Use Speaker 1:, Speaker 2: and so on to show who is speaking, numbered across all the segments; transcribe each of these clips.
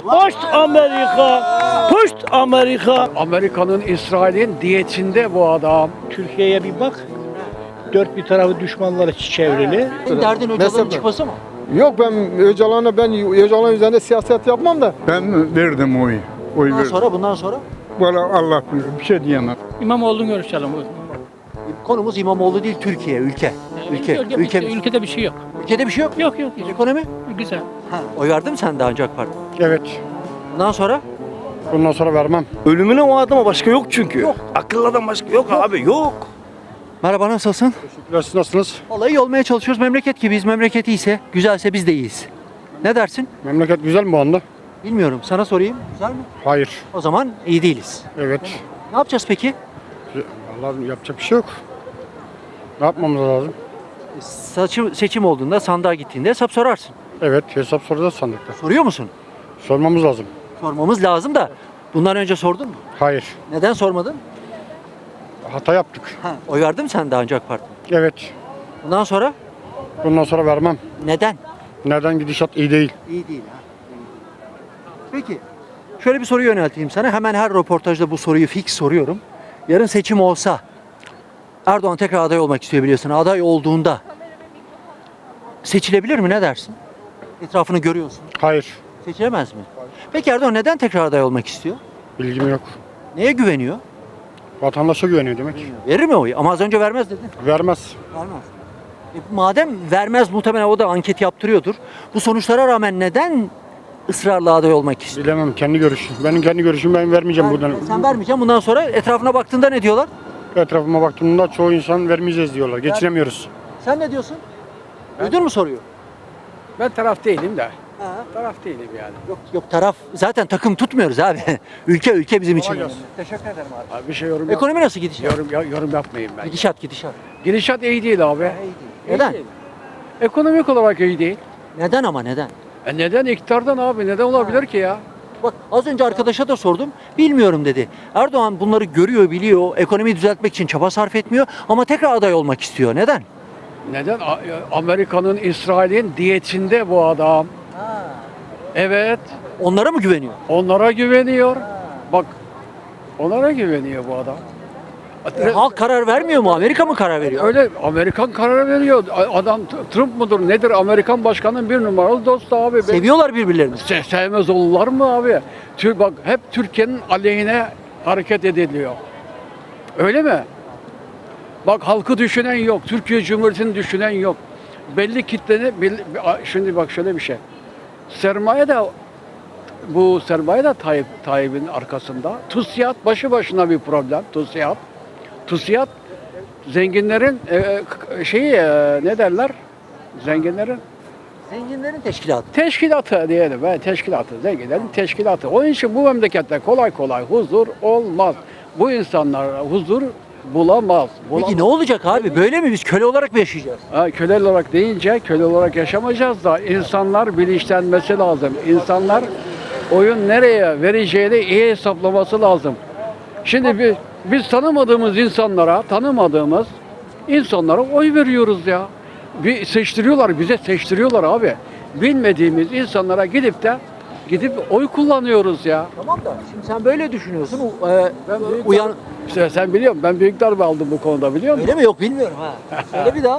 Speaker 1: Post Amerika. Post Amerika.
Speaker 2: Amerika'nın, İsrail'in diyetinde bu adam.
Speaker 1: Türkiye'ye bir bak. Dört bir tarafı düşmanlara çevrili.
Speaker 3: Senin derdin Öcalan'ın çıkması mı?
Speaker 4: Yok ben Öcalan üzerinde siyaset yapmam da.
Speaker 5: Ben verdim oyu. Oy
Speaker 3: Bundan
Speaker 5: verdim.
Speaker 3: sonra, bundan sonra
Speaker 5: Valla Allah bilir. Bir şey diyemem.
Speaker 1: İmamoğlu'nu görüşelim.
Speaker 3: konumuz İmamoğlu değil, Türkiye, ülke.
Speaker 1: Ülkede bir şey yok.
Speaker 3: Ülkede bir şey yok.
Speaker 1: Yok.
Speaker 3: Ekonomi?
Speaker 1: Güzel.
Speaker 3: Ha, oy verdin mi sen daha önce AK Parti?
Speaker 4: Evet.
Speaker 3: Bundan sonra?
Speaker 4: Bundan sonra vermem.
Speaker 6: Ölümüne o adama başka yok çünkü. Yok. Akıllı adam başka yok abi yok.
Speaker 3: Merhaba, nasılsın?
Speaker 4: Teşekkürler, siz nasılsınız?
Speaker 3: Vallahi iyi olmaya çalışıyoruz. Memleket gibiyiz. Memleket iyiyse, güzelse biz de iyiyiz. Ne dersin?
Speaker 4: Memleket güzel mi bu anda?
Speaker 3: Bilmiyorum. Sana sorayım. Güzel mi?
Speaker 4: Hayır.
Speaker 3: O zaman iyi değiliz.
Speaker 4: Evet.
Speaker 3: Ne yapacağız peki?
Speaker 4: Vallahi yapacak bir şey yok. Ne yapmamız lazım?
Speaker 3: Seçim olduğunda, sandığa gittiğinde hesap sorarsın.
Speaker 4: Evet, hesap soracağız sandıkta.
Speaker 3: Soruyor musun?
Speaker 4: Sormamız lazım.
Speaker 3: Sormamız lazım da bundan önce sordun mu?
Speaker 4: Hayır.
Speaker 3: Neden sormadın?
Speaker 4: Hata yaptık.
Speaker 3: Ha, oy verdin mi sen daha önce AK Parti?
Speaker 4: Evet.
Speaker 3: Bundan sonra?
Speaker 4: Bundan sonra vermem.
Speaker 3: Neden?
Speaker 4: Neden gidişat iyi değil?
Speaker 3: İyi değil ha. Peki. Şöyle bir soru yönelteyim sana. Hemen her röportajda bu soruyu fix soruyorum. Yarın seçim olsa Erdoğan tekrar aday olmak istiyor biliyorsun. Aday olduğunda seçilebilir mi? Ne dersin? Etrafını görüyorsun.
Speaker 4: Hayır.
Speaker 3: Seçilemez mi? Peki Erdoğan neden tekrar aday olmak istiyor?
Speaker 4: Bilgim yok.
Speaker 3: Neye güveniyor?
Speaker 4: Vatandaşa güveniyor demek.
Speaker 3: Verir mi oyu? Ama az önce vermez dedin.
Speaker 4: Vermez.
Speaker 3: Vermez. Madem vermez, muhtemelen o da anket yaptırıyordur. Bu sonuçlara rağmen neden ısrarla aday olmak istiyor?
Speaker 4: Bilemem, kendi görüşüm. Benim kendi görüşüm, ben vermeyeceğim buradan.
Speaker 3: Sen vermeyeceksin. Bundan sonra etrafına baktığında ne diyorlar?
Speaker 4: Etrafıma baktığımda çoğu insan vermeyeceğiz diyorlar. Geçinemiyoruz.
Speaker 3: Sen ne diyorsun? Duydun mu soruyor?
Speaker 2: Ben taraf değilim de.
Speaker 3: Ha.
Speaker 2: Taraf değilim yani.
Speaker 3: Yok taraf, zaten takım tutmuyoruz abi. ülke bizim için.
Speaker 4: gelsin.
Speaker 3: Teşekkür ederim abi.
Speaker 2: Abi bir şey yorum
Speaker 3: Ekonomi nasıl gidişat?
Speaker 2: yorum yapmayayım ben.
Speaker 3: Gidişat.
Speaker 2: Gidişat iyi değil abi.
Speaker 3: Neden?
Speaker 2: İyi değil. Ekonomik olarak iyi değil.
Speaker 3: Neden ama neden?
Speaker 2: Neden iktidardan abi? Neden olabilir ki ya?
Speaker 3: Bak az önce arkadaşa da sordum. Bilmiyorum dedi. Erdoğan bunları görüyor, biliyor. Ekonomiyi düzeltmek için çaba sarf etmiyor ama tekrar aday olmak istiyor. Neden?
Speaker 2: Neden? Amerika'nın, İsrail'in diyetinde bu adam. Evet.
Speaker 3: Onlara mı güveniyor?
Speaker 2: Onlara güveniyor. Bak. Onlara güveniyor bu adam.
Speaker 3: Halk karar vermiyor mu? Amerika mı karar veriyor?
Speaker 2: Öyle Amerikan karar veriyor. Adam Trump mudur nedir? Amerikan başkanının bir numaralı dostu abi.
Speaker 3: Seviyorlar birbirlerini.
Speaker 2: Sevmez olurlar mı abi? Bak hep Türkiye'nin aleyhine hareket ediliyor. Öyle mi? Bak halkı düşünen yok. Türkiye Cumhuriyeti'ni düşünen yok. Belli kitleni şimdi bak şöyle bir şey. Sermaye de Tayyip'in arkasında. TÜSİAD başı başına bir problem. TÜSİAD zenginlerin ne derler? Zenginlerin teşkilatı diyelim. Zenginlerin teşkilatı. Onun için bu memlekette kolay kolay huzur olmaz. Bu insanlar huzur bulamaz.
Speaker 3: Peki ne olacak abi? Böyle mi? Biz köle olarak mı yaşayacağız?
Speaker 2: Köle olarak deyince köle olarak yaşamayacağız da insanlar bilinçlenmesi lazım. İnsanlar oyun nereye vereceğini iyi hesaplaması lazım. Şimdi biz tanımadığımız insanlara oy veriyoruz ya. Bize seçtiriyorlar abi. Bilmediğimiz insanlara gidip oy kullanıyoruz ya.
Speaker 3: Tamam da şimdi sen böyle düşünüyorsun.
Speaker 2: İşte sen biliyor musun? Ben büyük darbe aldım bu konuda biliyor musun?
Speaker 3: Öyle mi? Yok bilmiyorum ha. Söyle bir daha.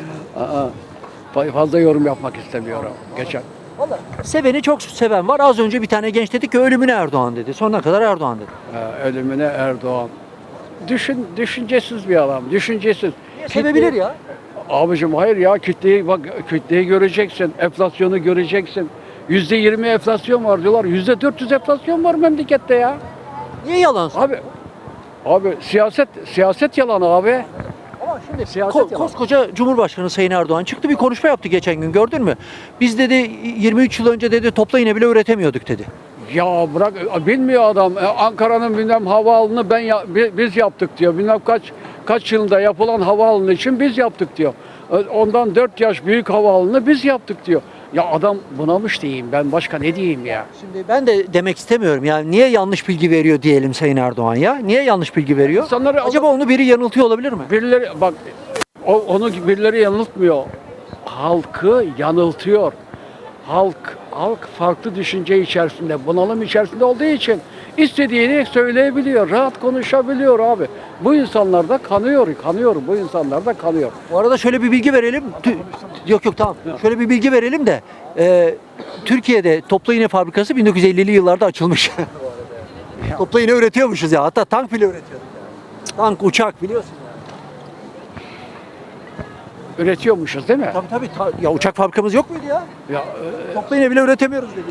Speaker 2: Fazla yorum yapmak istemiyorum. Geçen.
Speaker 3: Vallahi seveni çok seven var. Az önce bir tane genç dedi ki ölümüne Erdoğan dedi. Sonuna kadar Erdoğan dedi.
Speaker 2: Ölümüne Erdoğan. Düşüncesiz bir adam. Düşüncesiz.
Speaker 3: Sevebilir ya.
Speaker 2: Abicim hayır ya kütleyi göreceksin. Enflasyonu göreceksin. %20 enflasyon var diyorlar. %400 enflasyon var memlekette ya.
Speaker 3: Niye yalan söylüyor?
Speaker 2: Abi siyaset yalan abi.
Speaker 3: Ama şimdi
Speaker 2: Siyaset yalan.
Speaker 3: koskoca Cumhurbaşkanı Sayın Erdoğan çıktı bir konuşma yaptı geçen gün, gördün mü? Biz dedi 23 yıl önce dedi topla iğne bile üretemiyorduk dedi.
Speaker 2: Ya bırak bilmiyor adam. Ankara'nın bilmem havaalanını biz yaptık diyor. Bilmem kaç yılında yapılan havaalanı için biz yaptık diyor. Ondan 4 yaş büyük havaalanını biz yaptık diyor. Ya adam bunamış diyeyim ben, başka ne diyeyim ya.
Speaker 3: Şimdi ben de demek istemiyorum yani niye yanlış bilgi veriyor diyelim Sayın Erdoğan ya? Niye yanlış bilgi veriyor? Acaba onu biri yanıltıyor olabilir mi?
Speaker 2: Birileri bak onu birileri yanıltmıyor. Halkı yanıltıyor. halk farklı düşünce içerisinde, bunalım içerisinde olduğu için istediğini söyleyebiliyor, rahat konuşabiliyor abi. Bu insanlar da kanıyor bu insanlar da kanıyor.
Speaker 3: Bu arada şöyle bir bilgi verelim. Yok tamam. Şöyle bir bilgi verelim de Türkiye'de toplu iğne fabrikası 1950'li yıllarda açılmış. Toplu iğne üretiyormuşuz ya. Hatta tank bile üretiyorduk. Tank, uçak biliyorsun ya.
Speaker 2: Üretiyormuşuz değil mi?
Speaker 3: Tabii. Ya uçak fabrikamız yok muydu ya?
Speaker 2: Ya,
Speaker 3: Toplu iğne bile üretemiyoruz dedi.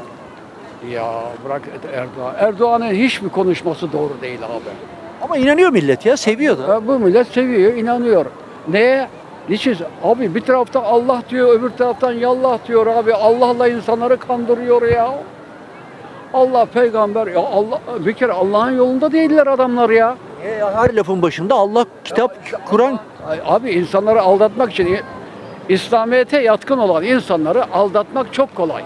Speaker 2: ya bırak Erdoğan. Erdoğan'ın hiçbir konuşması doğru değil abi.
Speaker 3: Ama inanıyor millet ya. Seviyor da.
Speaker 2: Bu millet seviyor, inanıyor. Neye? Niçin? Abi bir taraftan Allah diyor, öbür taraftan yallah diyor abi. Allah'la insanları kandırıyor ya. Allah peygamber ya Allah bir kere Allah'ın yolunda değiller adamlar ya.
Speaker 3: Her lafın başında Allah, kitap, Kur'an.
Speaker 2: Abi insanları aldatmak için İslamiyet'e yatkın olan insanları aldatmak çok kolay.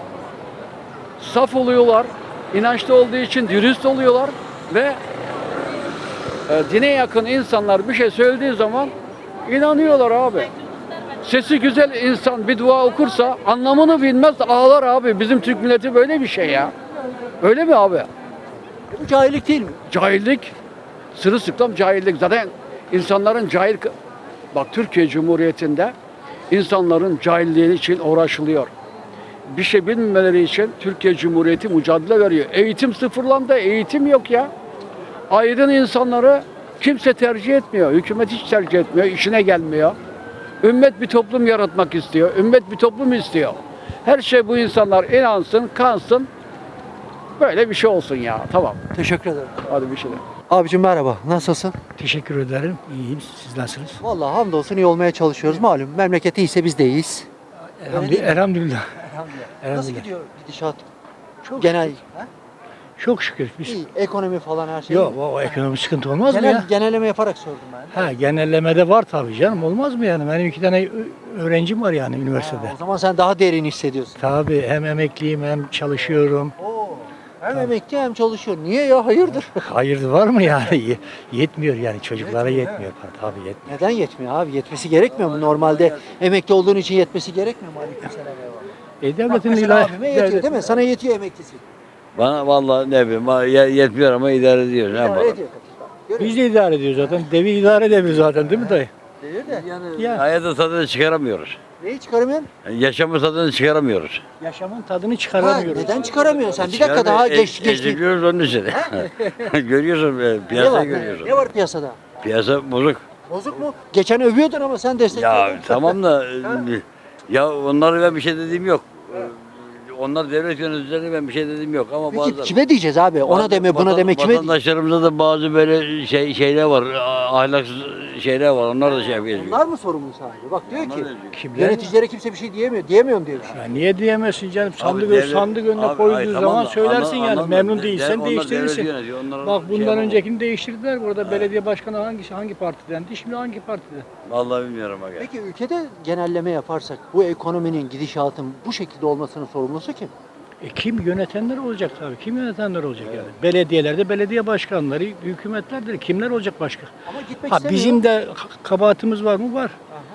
Speaker 2: Saf oluyorlar, inançlı olduğu için dürüst oluyorlar ve dine yakın insanlar bir şey söylediği zaman inanıyorlar abi. Sesi güzel insan bir dua okursa anlamını bilmez ağlar abi. Bizim Türk milleti böyle bir şey ya. Öyle mi abi?
Speaker 3: Bu cahillik değil mi?
Speaker 2: Cahillik, sırılsıklam cahillik. Zaten insanların Bak Türkiye Cumhuriyeti'nde insanların cahilliği için uğraşılıyor. Bir şey bilmemeleri için Türkiye Cumhuriyeti mücadele veriyor. Eğitim sıfırlandı, eğitim yok ya. Aydın insanları kimse tercih etmiyor. Hükümet hiç tercih etmiyor, işine gelmiyor. Ümmet bir toplum yaratmak istiyor. Ümmet bir toplum istiyor. Her şey bu insanlar inansın, kansın. Böyle bir şey olsun ya. Tamam.
Speaker 3: Teşekkür ederim.
Speaker 2: Hadi bir şey de.
Speaker 3: Abicim merhaba. Nasılsın?
Speaker 1: Teşekkür ederim. İyiyim. Siz nasılsınız?
Speaker 3: Vallahi hamdolsun iyi olmaya çalışıyoruz. Malum memleket iyiyse biz de iyiyiz.
Speaker 1: Elhamdülillah.
Speaker 3: Nasıl
Speaker 1: Elhamdülillah.
Speaker 3: gidiyor gidişat?
Speaker 1: Çok
Speaker 3: Genel.
Speaker 1: Çok şükür biz.
Speaker 3: İyi. Ekonomi falan her şey.
Speaker 1: Yok o ekonomi sıkıntı olmaz mı ya?
Speaker 3: Genelleme yaparak sordum ben.
Speaker 1: Ha genellemede var tabii canım. Olmaz mı yani? Benim 2 tane öğrencim var yani üniversitede.
Speaker 3: O zaman sen daha derin hissediyorsun.
Speaker 1: Tabii hem emekliyim hem çalışıyorum.
Speaker 3: Oo. Hem emekli hem çalışıyor. Niye ya? Hayırdır?
Speaker 1: Hayır var mı yani? Yetmiyor yani çocuklara yetmiyor. Tabii yetmiyor.
Speaker 3: Neden yetmiyor abi? Yetmesi gerekmiyor mu? Normalde emekli olduğun için yetmesi gerekmiyor mu? Aleykümselam.
Speaker 1: Devletin
Speaker 3: Mesela abime yetiyor değil mi? Sana yetiyor emeklisi.
Speaker 6: Bana vallahi ne bileyim yetmiyor ama idare ediyor. Ne
Speaker 3: İdare
Speaker 6: yapalım?
Speaker 3: ediyor. Görüyor
Speaker 1: Biz de idare ediyoruz zaten. Devi idare edebilir zaten değil mi dayı?
Speaker 3: musun? De.
Speaker 1: Ya.
Speaker 6: Hayatın tadını çıkaramıyoruz.
Speaker 3: Neyi çıkaramıyorsun?
Speaker 6: Yaşamın tadını çıkaramıyoruz.
Speaker 1: Yaşamın tadını
Speaker 3: Ha,
Speaker 1: çıkaramıyoruz.
Speaker 3: neden çıkaramıyorsun sen? Bir dakika daha geçti.
Speaker 6: Eziliyoruz onun için. Görüyorsun
Speaker 3: Ne
Speaker 6: piyasayı
Speaker 3: var?
Speaker 6: görüyorsun.
Speaker 3: Ne var piyasada?
Speaker 6: Piyasa bozuk.
Speaker 3: Bozuk mu? Geçen övüyordun ama sen destekliyordun.
Speaker 6: Ya tamam da ya onlara ben bir şey dediğim yok. Onlar devlet yöneticilerine ben bir şey dediğim yok ama
Speaker 3: Peki kime diyeceğiz abi? Ona deme, buna deme, kime diyeceğiz?
Speaker 6: Vatandaşlarımızda da bazı böyle şeyler var, ahlaksız şeyler var. Onlar da şey yapıyor.
Speaker 3: Onlar mı sorumlu sadece? Bak diyor ki
Speaker 1: Kimler?
Speaker 3: yöneticilere kimse bir şey diyemiyor. Diyemiyorum diyor.
Speaker 1: Ya niye diyemezsin canım? Sandık,
Speaker 6: devlet-
Speaker 1: sandık önüne
Speaker 6: Abi,
Speaker 1: koyduğu
Speaker 6: ay, tamam
Speaker 1: zaman
Speaker 6: da,
Speaker 1: söylersin yani.
Speaker 6: anladım.
Speaker 1: Memnun değilsen
Speaker 6: Onlar
Speaker 1: değiştirirsin.
Speaker 6: devlet yönetiyor, onlara
Speaker 1: Bak
Speaker 6: şey
Speaker 1: bundan
Speaker 6: yapamam.
Speaker 1: öncekini değiştirdiler. Burada belediye başkanı hangi partidendi? Şimdi hangi partide?
Speaker 6: Vallahi bilmiyorum aga.
Speaker 3: Peki ülkede genelleme yaparsak bu ekonominin gidişatın bu şekilde olmasının sorumlusu kim?
Speaker 1: Kim yönetenler olacak tabii. Kim yönetenler olacak yani? Belediyelerde belediye başkanları, hükümetlerdir. Kimler olacak başka?
Speaker 3: Ama gitmek
Speaker 1: Ha
Speaker 3: istemiyor.
Speaker 1: bizim de kabahatimiz var mı? Var.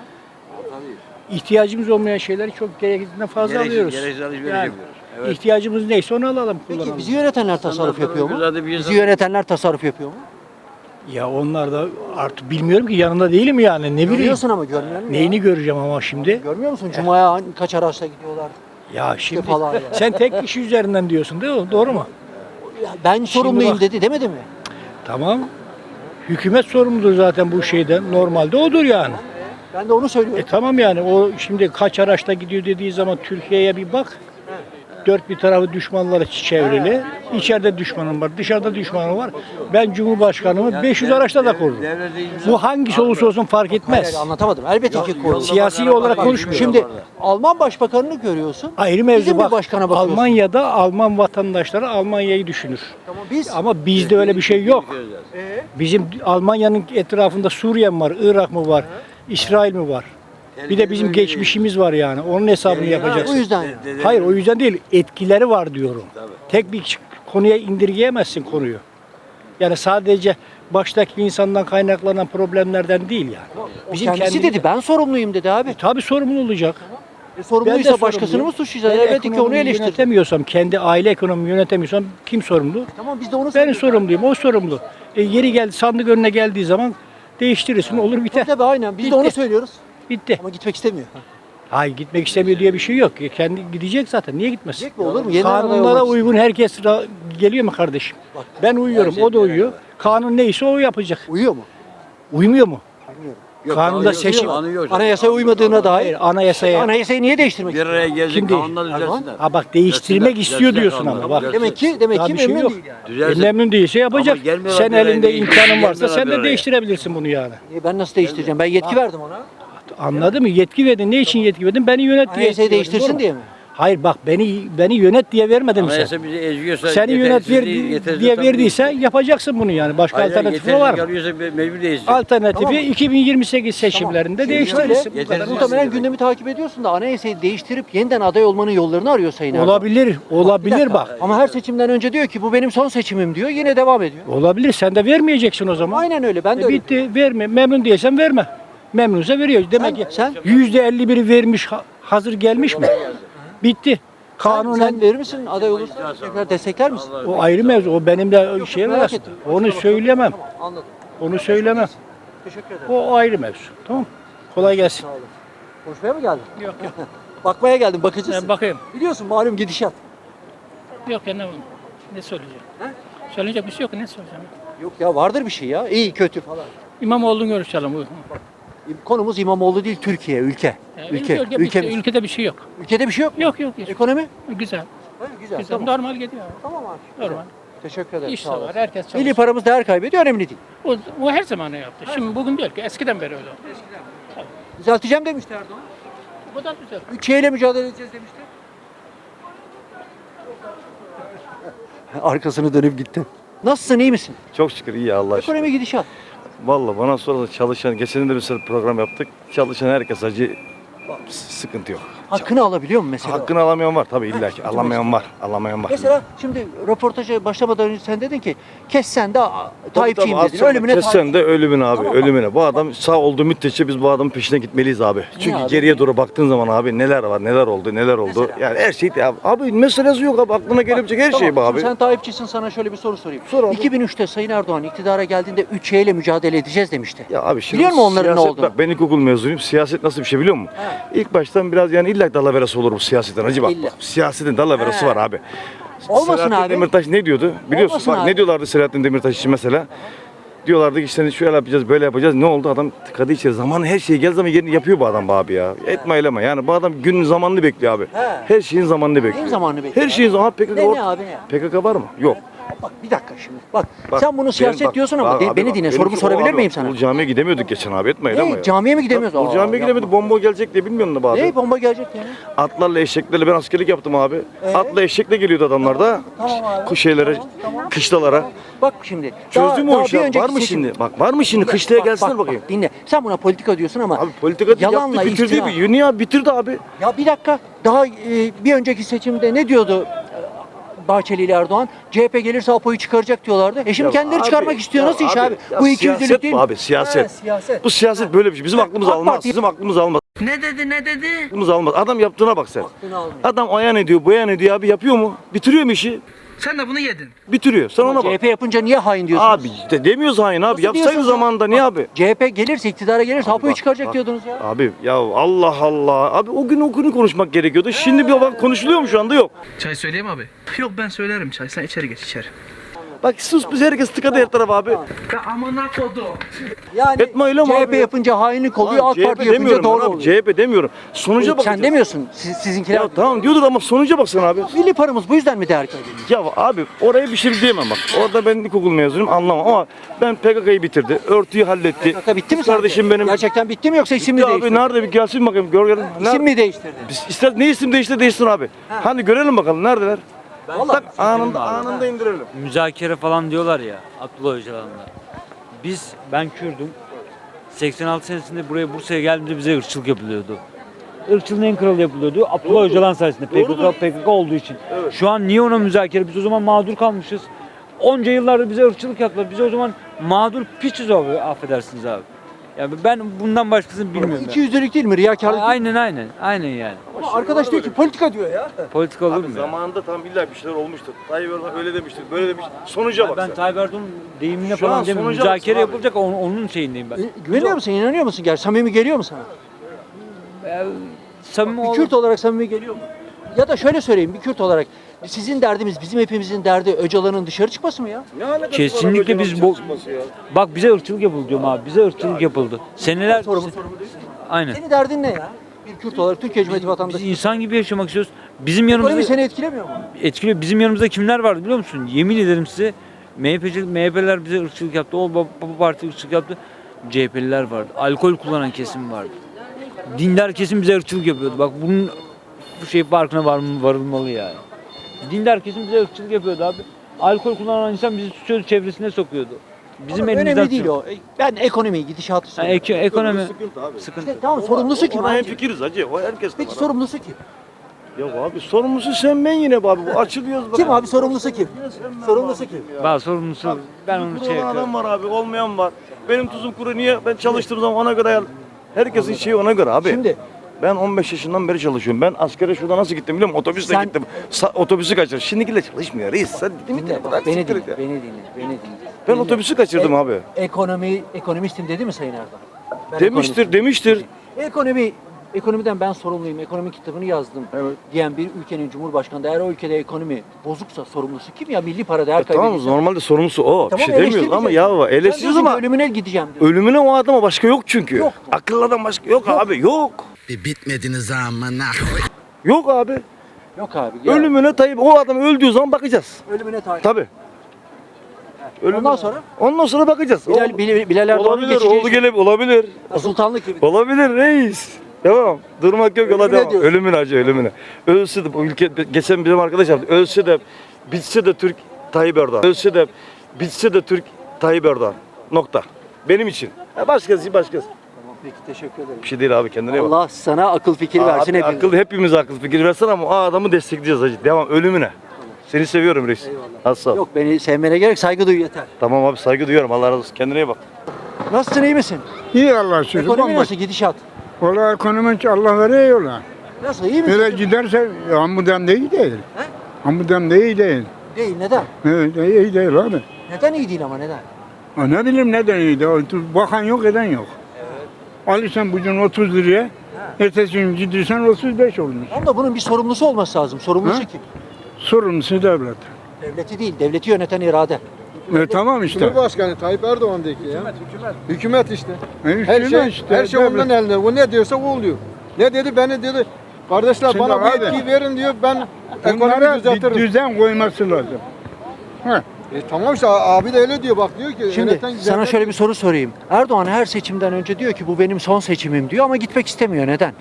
Speaker 1: İhtiyacımız olmayan şeyleri çok gerektiğinden fazla alıyoruz.
Speaker 6: Gereksiz alışveriş
Speaker 1: Yani
Speaker 6: yapıyoruz. Evet.
Speaker 1: İhtiyacımız neyse onu alalım, kullanalım.
Speaker 3: Peki bizi yönetenler tasarruf
Speaker 6: Ondan sonra
Speaker 3: yapıyor mu?
Speaker 6: güzel de bir
Speaker 3: Bizi
Speaker 6: insan-
Speaker 3: yönetenler tasarruf yapıyor mu?
Speaker 1: Ya onlar da artık bilmiyorum ki yanında değilim yani. Ne bileyim.
Speaker 3: Görüyorsun ama görmüyor musun?
Speaker 1: Neyini göreceğim ama şimdi?
Speaker 3: Görmüyor musun? Cuma'ya kaç araçla gidiyorlar?
Speaker 1: Ya şimdi
Speaker 3: falan ya.
Speaker 1: sen tek kişi üzerinden diyorsun değil mi? Doğru mu?
Speaker 3: Ya ben sorumluyum
Speaker 1: bak-
Speaker 3: demedi mi?
Speaker 1: Tamam. Hükümet sorumludur zaten bu şeyden. Normalde odur yani.
Speaker 3: Ben de onu söylüyorum.
Speaker 1: Tamam yani o şimdi kaç araçla gidiyor dediği zaman Türkiye'ye bir bak. Dört bir tarafı düşmanlara çevrili. İçeride düşmanım var, dışarıda düşmanım var. Ben Cumhurbaşkanımı 500 araçla da korurum. Bu hangisi olursa olsun fark etmez.
Speaker 3: Hayır, anlatamadım. Elbette ki korurum.
Speaker 1: Siyasi olarak konuşmuyorum.
Speaker 3: Şimdi Alman başbakanını görüyorsun.
Speaker 1: Ayrı mevzu
Speaker 3: Bizim bir
Speaker 1: bak.
Speaker 3: başkana bakıyorsun.
Speaker 1: Almanya'da Alman vatandaşları Almanya'yı düşünür.
Speaker 3: Tamam biz
Speaker 1: Ama bizde öyle bir şey yok. Bizim Almanya'nın etrafında Suriye mi var, Irak mı var, İsrail mi var? Bir de bizim geçmişimiz var yani. Onun hesabını
Speaker 3: o
Speaker 1: yapacaksın.
Speaker 3: yüzden
Speaker 1: Hayır o yüzden değil. Etkileri var diyorum. Tek bir konuya indirgeyemezsin konuyu. Yani sadece baştaki insandan kaynaklanan problemlerden değil yani.
Speaker 3: o kendisi dedi ben sorumluyum dedi abi.
Speaker 1: Tabii sorumlu olacak.
Speaker 3: Sorumluysa
Speaker 1: Ben de
Speaker 3: başkasını
Speaker 1: sorumluyum.
Speaker 3: mı suçlayacağız?
Speaker 1: Ben
Speaker 3: Elbette ki onu
Speaker 1: ekonomiyi
Speaker 3: eleştir.
Speaker 1: yönetemiyorsam, kendi aile ekonomimi yönetemiyorsam kim sorumlu?
Speaker 3: Tamam biz de onu
Speaker 1: Ben
Speaker 3: söylüyoruz.
Speaker 1: sorumluyum, o sorumlu. Yeri geldi, sandık önüne geldiği zaman değiştirirsin, olur biter.
Speaker 3: Tabii aynen. Biz de
Speaker 1: Bitti.
Speaker 3: onu söylüyoruz.
Speaker 1: Bitti.
Speaker 3: Ama gitmek istemiyor.
Speaker 1: Hayır, gitmek istemiyor diye bir şey yok. Kendi gidecek zaten. Niye gitmesin?
Speaker 3: Gidecek mi, olur mu? Yeniden aday
Speaker 1: Kanunlara
Speaker 3: olmak
Speaker 1: uygun herkes geliyor mu kardeşim? Ben uyuyorum, o da uyuyor. Kanun neyse o yapacak.
Speaker 3: Uyuyor mu?
Speaker 1: Uymuyor mu?
Speaker 3: Bilmiyorum.
Speaker 1: Kanunda seçim.
Speaker 3: Anayasaya uymadığına dair.
Speaker 1: Hayır, anayasaya.
Speaker 3: Anayasayı niye değiştirmek
Speaker 6: Bir araya gelecek
Speaker 1: Kim değil?
Speaker 6: kanunlar düzelsinler.
Speaker 1: Ha bak, değiştirmek
Speaker 6: Düzelsinler,
Speaker 1: istiyor diyorsun
Speaker 6: düzelsinler
Speaker 1: ama bak.
Speaker 6: kanunları,
Speaker 3: Demek ki
Speaker 1: Daha bir şey
Speaker 3: memnun
Speaker 1: yok.
Speaker 3: değil yani.
Speaker 6: Düzelsin.
Speaker 1: Memnun değilse yapacak.
Speaker 6: Ama gelmiyorlar
Speaker 1: Sen
Speaker 6: bir araya,
Speaker 1: elinde
Speaker 6: değil.
Speaker 1: imkanın varsa
Speaker 6: Gelmiyorlar
Speaker 1: sen
Speaker 6: bir
Speaker 1: de
Speaker 6: araya.
Speaker 1: değiştirebilirsin bunu yani.
Speaker 3: Ben nasıl değiştireceğim? Ben yetki verdim ona.
Speaker 1: Anladın mı? Yetki verdin. Ne için yetki verdin? Beni yönet diye.
Speaker 3: Anayasayı
Speaker 1: yetki verdin,
Speaker 3: değiştirsin
Speaker 1: doğru mu?
Speaker 3: diye mi?
Speaker 1: Hayır bak, beni yönet diye vermedin mi sen?
Speaker 6: Anayasa bizi eziyorsa,
Speaker 1: Seni yönet diye verdiyse
Speaker 6: Hayır,
Speaker 1: yapacaksın bunu yani. Başka alternatifi var mı?
Speaker 6: Mecbur değişecek.
Speaker 1: Alternatifi
Speaker 3: Tamam.
Speaker 1: 2028 seçimlerinde
Speaker 3: Şimdi
Speaker 1: değiştirirsin.
Speaker 3: şöyle,
Speaker 1: Bu kadar.
Speaker 6: Yetersiz.
Speaker 3: muhtemelen gündemi takip ediyorsun da anayasayı değiştirip yeniden aday olmanın yollarını arıyor Sayın Erdoğan.
Speaker 1: Olabilir,
Speaker 3: Bir
Speaker 1: olabilir
Speaker 3: dakika.
Speaker 1: bak.
Speaker 3: Ama her seçimden önce diyor ki bu benim son seçimim diyor. Yine devam ediyor.
Speaker 1: Olabilir. Sen de vermeyeceksin o zaman.
Speaker 3: Aynen öyle. Ben de öyle.
Speaker 1: Bitti. Verme. Memnun değilsen verme. Memnunsa veriyor. Demek ki
Speaker 3: sen-
Speaker 1: %51'i vermiş, hazır gelmiş mi? Bitti. Kanunen
Speaker 3: Sen verir misin aday olursa? Tekrar destekler misin?
Speaker 1: o ayrı mevzu. O benim de şey
Speaker 3: merak
Speaker 1: var.
Speaker 3: ettim.
Speaker 1: Onu söylemem.
Speaker 3: Tamam, anladım.
Speaker 1: Onu söylemem.
Speaker 3: Teşekkür ederim.
Speaker 1: O ayrı mevzu. Tamam. Kolay gelsin.
Speaker 3: Sağ olun. Konuşmaya mı geldin?
Speaker 1: Yok yok.
Speaker 3: Bakmaya geldim, bakıcısın.
Speaker 1: Bakayım.
Speaker 3: Biliyorsun malum gidişat.
Speaker 1: Yok ya, ne söyleyeceğim?
Speaker 3: He?
Speaker 1: Söyleyecek bir şey yok. Ne söyleyeceğim?
Speaker 3: Yok ya, vardır bir şey ya. İyi kötü falan.
Speaker 1: İmamoğlu'nu görüşelim.
Speaker 3: Konumuz İmamoğlu değil, Türkiye, ülke.
Speaker 1: Ülkede bir şey yok.
Speaker 3: Ülkede bir şey yok.
Speaker 1: Yok yok.
Speaker 3: Ekonomi?
Speaker 1: Güzel.
Speaker 3: Ha, güzel.
Speaker 1: Güzel.
Speaker 3: Tamam.
Speaker 1: Normal gidiyor.
Speaker 3: Tamam abi.
Speaker 1: Normal.
Speaker 3: Teşekkür ederim.
Speaker 1: İş de
Speaker 3: sağ
Speaker 1: var.
Speaker 3: olasın.
Speaker 1: Herkes çalışıyor.
Speaker 3: Milli paramız değer kaybediyor, önemli değil.
Speaker 1: O her zaman yaptı. Şimdi bugün değil ki. Eskiden beri öyle oldu.
Speaker 3: Düzelteceğim demişti Erdoğan.
Speaker 1: Bu da güzel.
Speaker 3: Ülkeyle mücadele edeceğiz demişti. Arkasını dönüp gitti. Nasılsın, iyi misin?
Speaker 7: Çok şükür iyi Allah aşkına.
Speaker 3: Ekonomi gidişat.
Speaker 7: Vallahi bana sorarsa çalışan, geçen de bir sürü program yaptık. Çalışan herkes acı, sıkıntı yok.
Speaker 3: Hakkını alabiliyor mu mesela?
Speaker 7: Hakkını alamayan var tabii illa ki. Alamayan var. Alamayan var.
Speaker 3: Mesela şimdi röportaja başlamadan önce sen dedin ki kessen de Tayyipçiyim
Speaker 7: Tabii,
Speaker 3: dedin.
Speaker 7: tabii,
Speaker 3: Ölümüne
Speaker 7: kessen de ölümüne abi,
Speaker 3: Tamam.
Speaker 7: ölümüne. Bu adam sağ olduğu müddetçe biz bu adamın peşine gitmeliyiz abi. Çünkü
Speaker 3: abi?
Speaker 7: geriye doğru baktığın zaman abi neler var, neler oldu, neler oldu.
Speaker 3: Mesela?
Speaker 7: Yani her şey abi meselesi yok abi. Aklına gelebilecek her şey bu
Speaker 3: Tamam,
Speaker 7: abi.
Speaker 3: şimdi sen Tayyipçisin, sana şöyle bir soru sorayım.
Speaker 7: Sor abi.
Speaker 3: 2003'te Sayın Erdoğan iktidara geldiğinde 3 ile mücadele edeceğiz demişti.
Speaker 7: Ya abi şimdi
Speaker 3: Biliyor musun onların ne
Speaker 7: siyaset,
Speaker 3: olduğunu?
Speaker 7: Bak ben ilkokul mezunuyum. Siyaset nasıl bir şey biliyor musun? İlk baştan biraz yani illa dalaverası olur bu siyasetten. Hacı bak.
Speaker 3: İlla.
Speaker 7: Bak, siyasetin dalaverası var abi.
Speaker 3: Olmasın
Speaker 7: Selahattin
Speaker 3: abi.
Speaker 7: Demirtaş ne diyordu? Biliyorsun
Speaker 3: Olmasın
Speaker 7: bak
Speaker 3: abi.
Speaker 7: ne diyorlardı Selahattin Demirtaş için mesela? Diyorlardı ki işte şöyle yapacağız, böyle yapacağız. Ne oldu? Adam tıkadı içeri. Zaman her şeyi gel zaman yerini yapıyor bu adam bu abi ya. Etme eyleme. Yani bu adam günün zamanını bekliyor abi. Her şeyin zamanını bekliyor.
Speaker 3: Neyin zamanını bekliyor?
Speaker 7: Her şeyin zamanı. PKK,
Speaker 3: Ne abi ne?
Speaker 7: PKK var mı? Yok.
Speaker 3: Bak bir dakika şimdi. Bak,
Speaker 7: Bak,
Speaker 3: sen bunu siyaset
Speaker 7: bak,
Speaker 3: diyorsun ama
Speaker 7: bak abi,
Speaker 3: beni
Speaker 7: bak,
Speaker 3: dinle.
Speaker 7: benimki
Speaker 3: Sorumu
Speaker 7: o
Speaker 3: sorabilir
Speaker 7: abi,
Speaker 3: miyim sana?
Speaker 7: Ulu camiye gidemiyorduk geçen abi, etme eyleme
Speaker 3: Ne?
Speaker 7: ya.
Speaker 3: Camiye mi gidemiyoruz?
Speaker 7: Ulu camiye gidemiyorduk, bomba gelecek diye bilmiyorum da abi.
Speaker 3: Ne? Bomba gelecek yani.
Speaker 7: Atlarla eşeklerle ben askerlik yaptım abi. Atla eşekle geliyordu adamlar da.
Speaker 3: Tamam abi.
Speaker 7: Kuş şeylere, kışlalara.
Speaker 3: Bak şimdi.
Speaker 7: Çözdün mü o işi?
Speaker 3: bir
Speaker 7: abi?
Speaker 3: önceki
Speaker 7: Var mı
Speaker 3: seçim-
Speaker 7: şimdi? Bak var mı şimdi? Kışlaya gelsinler bakayım.
Speaker 3: Dinle. Sen buna politika diyorsun ama
Speaker 7: Abi politika
Speaker 3: yalanla
Speaker 7: yaptı, bitirdi.
Speaker 3: iftira.
Speaker 7: Dünya bitirdi abi.
Speaker 3: Ya bir dakika. Daha bir önceki seçimde ne diyordu Bahçeli ile Erdoğan? CHP gelirse Apo'yu çıkaracak diyorlardı. Şimdi
Speaker 7: Ya
Speaker 3: kendileri
Speaker 7: abi,
Speaker 3: çıkarmak istiyor.
Speaker 7: ya
Speaker 3: Nasıl iş abi?
Speaker 7: ya
Speaker 3: Bu ikiyüzlülük
Speaker 7: siyaset
Speaker 3: değil
Speaker 7: bu
Speaker 3: mi?
Speaker 7: abi, siyaset.
Speaker 3: Ha, siyaset.
Speaker 7: Bu siyaset böyle bir şey. Bizim aklımız
Speaker 3: AK
Speaker 7: almaz.
Speaker 3: Parti-
Speaker 7: Bizim aklımız almaz.
Speaker 8: Ne dedi?
Speaker 7: Aklımız almaz. Adam yaptığına bak sen.
Speaker 3: Aklını almıyor.
Speaker 7: Adam ayan ediyor, boyan ediyor abi. Yapıyor mu? Bitiriyor mu işi?
Speaker 8: Sen de bunu yedin.
Speaker 7: Bitiriyor. Sen ona bak.
Speaker 3: CHP yapınca niye hain diyorsunuz?
Speaker 7: Abi demiyoruz hain abi.
Speaker 3: Nasıl
Speaker 7: Yapsaydı
Speaker 3: diyorsunuz ya?
Speaker 7: zamanında niye abi?
Speaker 3: CHP gelirse, iktidara gelirse Apo'yu
Speaker 7: bak,
Speaker 3: çıkaracak
Speaker 7: bak.
Speaker 3: diyordunuz ya.
Speaker 7: Abi ya Allah Allah. Abi o günü konuşmak gerekiyordu. Şimdi bir bak konuşuluyor mu şu anda? Yok.
Speaker 8: Çay söyleyeyim abi. Yok ben söylerim çay. Sen içeri geç içeri.
Speaker 7: Bak sus biz herkes tıkadı her taraf abi.
Speaker 8: Ya amına kodum.
Speaker 3: Yani
Speaker 7: Etme öyle mi
Speaker 3: CHP
Speaker 7: abi ya?
Speaker 3: yapınca hainlik oluyor,
Speaker 7: Lan
Speaker 3: AK Parti yapınca
Speaker 7: demiyorum
Speaker 3: doğru
Speaker 7: ben abi,
Speaker 3: oluyor.
Speaker 7: CHP demiyorum. Sonuca bakacağız.
Speaker 3: Sen demiyorsun, sizinkiler.
Speaker 7: Ya tamam diyorduk ama sonuca baksana abi.
Speaker 3: Milli paramız bu yüzden mi değer kaybediyor?
Speaker 7: Ya abi oraya bir şey diyemem bak. Orada ben ilkokul mezunuyum anlamam ama ben PKK'yı bitirdi. Örtüyü halletti.
Speaker 3: PKK bitti mi
Speaker 7: Kız
Speaker 3: sence?
Speaker 7: Kardeşim benim.
Speaker 3: Gerçekten bitti mi yoksa isim mi
Speaker 7: Ya abi
Speaker 3: değiştirdi?
Speaker 7: nerede bir gelsin bakayım gör gelin.
Speaker 3: İsim mi değiştirdi?
Speaker 7: İster ne isim değişsin abi. Hani görelim bakalım neredeler?
Speaker 3: Vallahi
Speaker 7: Tak anında indirelim.
Speaker 9: Müzakere falan diyorlar ya Abdullah Öcalan'la. Ben Kürdüm. 86 senesinde buraya Bursa'ya geldiğimde bize ırkçılık yapılıyordu. Irkçılığın en kralı yapılıyordu. Abdullah Öcalan sayesinde PKK olduğu için. Şu an niye ona müzakere? Biz o zaman mağdur kalmışız. Onca yıllardır bize ırkçılık yaptılar. Biz o zaman mağdur piçiz abi, affedersiniz abi. Ya ben bundan başkasını bilmiyorum.
Speaker 3: İki yüzlülük değil mi? Riyakarlık değil mi?
Speaker 9: Aynen yani.
Speaker 3: Ama arkadaş diyor ki politika diyor ya.
Speaker 9: Politika olur
Speaker 7: Abi
Speaker 9: mu ya?
Speaker 7: zamanında tam illa bir şeyler olmuştur. Tayyip Erdoğan öyle demiştir, böyle demiş. Sonuca bak
Speaker 9: Ben
Speaker 7: sen.
Speaker 9: Tayyip Erdoğan'ın deyimine
Speaker 7: Şu an
Speaker 9: falan demiyorum.
Speaker 7: sonuca
Speaker 9: Müzakere
Speaker 7: baksın abi.
Speaker 9: yapılacak onun şeyindeyim ben.
Speaker 3: Güveniyor musun? İnanıyor musun? Gerçi samimi geliyor mu sana?
Speaker 9: Samimi
Speaker 3: Bir
Speaker 9: ol.
Speaker 3: Kürt olarak samimi geliyor mu? Ya da şöyle söyleyeyim, bir Kürt olarak sizin derdimiz, bizim hepimizin derdi Öcalan'ın dışarı çıkması mı ya?
Speaker 7: Ne alakası var
Speaker 9: Kesinlikle
Speaker 7: abi
Speaker 9: biz
Speaker 7: Öcalan'ın
Speaker 9: bu
Speaker 7: çalışması ya?
Speaker 9: bak bize ırkçılık yapıldı diyorum abi. Bize ırkçılık yapıldı. Seneler
Speaker 3: Sorumlu değil.
Speaker 9: aynen.
Speaker 3: Senin derdin ne ya? Bir Kürt olarak Türkiye Cumhuriyeti
Speaker 9: Biz
Speaker 3: vatandaşı.
Speaker 9: insan gibi yaşamak istiyoruz. Bizim
Speaker 3: Ekonomi
Speaker 9: yanımızda
Speaker 3: seni etkilemiyor mu?
Speaker 9: etkiliyor. Bizim yanımızda kimler vardı biliyor musun? Yemin ederim size MHP'ler bize ırkçılık yaptı. O baba parti ırkçılık yaptı. CHP'liler vardı. Alkol kullanan kesim vardı. Dindar kesim bize ırkçılık yapıyordu. Bak bunun bu şey farkına varılmalı yani. Dindar kesim bize ırkçılık yapıyordu abi. Alkol kullanan insan bizi tutuyordu, çevresine sokuyordu. Bizim
Speaker 3: Ama
Speaker 9: elimizden
Speaker 3: önemli değil
Speaker 9: tutuyor.
Speaker 3: o. Ben ekonomiyi, gidişatı
Speaker 9: Ha,
Speaker 3: söylüyorum.
Speaker 9: ekonomi
Speaker 7: Sıkıntı abi.
Speaker 9: sıkıntı.
Speaker 3: İşte tamam, sorumlusu kim?
Speaker 7: Ona
Speaker 3: abi?
Speaker 7: hemfikiriz hacı. O herkes de
Speaker 3: Peki
Speaker 7: var.
Speaker 3: sorumlusu kim?
Speaker 7: Ya abi sorumlusu sen ben yine abi. Bu açılıyoruz bak.
Speaker 3: Kim abi sorumlusu kim? Sorumlusu kim?
Speaker 9: Daha sorumlusu ben onu
Speaker 7: Kuru
Speaker 9: şey
Speaker 7: olan adam
Speaker 9: yapıyorum.
Speaker 7: var abi. Olmayan var. Benim tuzum kuru. Niye? Ben çalıştığım zaman ona göre ayar. Herkesin şeyi ona göre abi.
Speaker 3: Şimdi
Speaker 7: Ben 15 yaşından beri çalışıyorum. Ben askere şurada nasıl gittim biliyor musun? Otobüsle
Speaker 3: Sen-
Speaker 7: gittim. Otobüsü kaçırdım. Şimdikiyle çalışmıyor reis. Sen değil mi?
Speaker 3: dinle,
Speaker 7: Bırak
Speaker 3: beni
Speaker 7: siktir
Speaker 3: dinle,
Speaker 7: et ya.
Speaker 3: beni dinle, beni dinle.
Speaker 7: Ben
Speaker 3: Dinle.
Speaker 7: otobüsü kaçırdım abi.
Speaker 3: Ekonomistim dedi mi Sayın Erdoğan? Ben
Speaker 7: Demiştir, demiştir.
Speaker 3: Ekonomiden ben sorumluyum, ekonomi kitabını yazdım diyen bir ülkenin cumhurbaşkanı, eğer o ülkede ekonomi bozuksa sorumlusu kim ya? Milli para değer
Speaker 7: Tamam
Speaker 3: kaybediyorsa.
Speaker 7: normalde sorumlusu o.
Speaker 3: Tamam,
Speaker 7: bir şey demiyoruz ama
Speaker 3: eleştirmeyeceğim.
Speaker 7: ya
Speaker 3: Sen
Speaker 7: eleştiriyoruz
Speaker 3: diyorsun ki
Speaker 7: ama
Speaker 3: ölümüne gideceğim diyor.
Speaker 7: ölümüne o adama başka yok çünkü.
Speaker 3: Yok.
Speaker 7: Akıllı adam başka yok abi yok.
Speaker 10: Bir bitmediniz amına.
Speaker 7: Yok abi.
Speaker 3: Yok abi. Ya,
Speaker 7: Ölümüne Tayyip o adam öldüğü zaman bakacağız.
Speaker 3: ölümüne tayin.
Speaker 7: Tabii.
Speaker 3: Ondan sonra
Speaker 7: Ondan sonra bakacağız.
Speaker 3: Bilal Erdoğan'ın
Speaker 7: Olabilir,
Speaker 3: geçeceği
Speaker 7: oldu gelip olabilir.
Speaker 3: sultanlık gibi.
Speaker 7: Olabilir reis. Devam. Durmak yok yola
Speaker 3: Ölümüne
Speaker 7: devam.
Speaker 3: diyorsun.
Speaker 7: Ölümüne acı ölümüne. Ölse de bu ülke geçen bizim arkadaş yaptı. Ölse de bitse de Türk Tayyip Erdoğan. Ölse de bitse de Türk Tayyip Erdoğan. Nokta. Benim için. Başkası.
Speaker 3: Tamam, peki teşekkür ederim.
Speaker 7: Bir şey değil abi kendine iyi bak.
Speaker 3: Allah sana akıl fikir versin
Speaker 7: Abi,
Speaker 3: hepimize.
Speaker 7: hepimize akıl fikir versin ama o adamı destekleyeceğiz hacı. Devam ölümüne. Seni seviyorum reis. Az sağ ol.
Speaker 3: Yok, beni sevmene gerek, saygı duy yeter.
Speaker 7: Tamam abi saygı duyuyorum. Allah razı olsun. Kendine iyi bak.
Speaker 3: Nasılsın, iyi misin?
Speaker 5: İyi Allah'a şükür.
Speaker 3: Ekonomi nasıl, gidişat?
Speaker 5: Valla ekonomi Allah veriyor yola.
Speaker 3: Nasıl, iyi misin?
Speaker 5: Böyle giderse hamudem de iyi değil.
Speaker 3: He?
Speaker 5: Hamudem de iyi değil.
Speaker 3: Değil, neden?
Speaker 5: Evet, iyi değil abi.
Speaker 3: Neden iyi değil ama neden?
Speaker 5: Ha, ne bileyim neden iyi değil. Bakan yok eden yok. Alırsan bugün 30 liraya, ertesi gün gidersen 35 olmuş.
Speaker 3: Ama da bunun bir sorumlusu olması lazım. Sorumlusu
Speaker 5: Ha?
Speaker 3: kim?
Speaker 5: Sorumlusu devlet.
Speaker 3: Devleti değil, devleti yöneten irade.
Speaker 5: Tamam işte.
Speaker 11: Cumhurbaşkanı Tayyip Erdoğan'daki ya. Hükümet işte. Her şey,
Speaker 5: işte,
Speaker 11: her şey
Speaker 5: devlet.
Speaker 11: ondan elinde. O ne diyorsa o oluyor. Ne dedi? Beni dedi. Kardeşler
Speaker 5: Şimdi
Speaker 11: bana bu
Speaker 5: abi,
Speaker 11: yetkiyi verin diyor. Ben ekonomiyi
Speaker 5: Bunlara bir
Speaker 11: düzeltirim.
Speaker 5: düzen koyması lazım. Ha.
Speaker 11: Tamam işte abi de öyle diyor. Bak diyor ki
Speaker 3: Şimdi
Speaker 11: yöneten
Speaker 3: sana
Speaker 11: devlet-
Speaker 3: şöyle bir soru sorayım. Erdoğan her seçimden önce diyor ki bu benim son seçimim diyor ama gitmek istemiyor. Neden?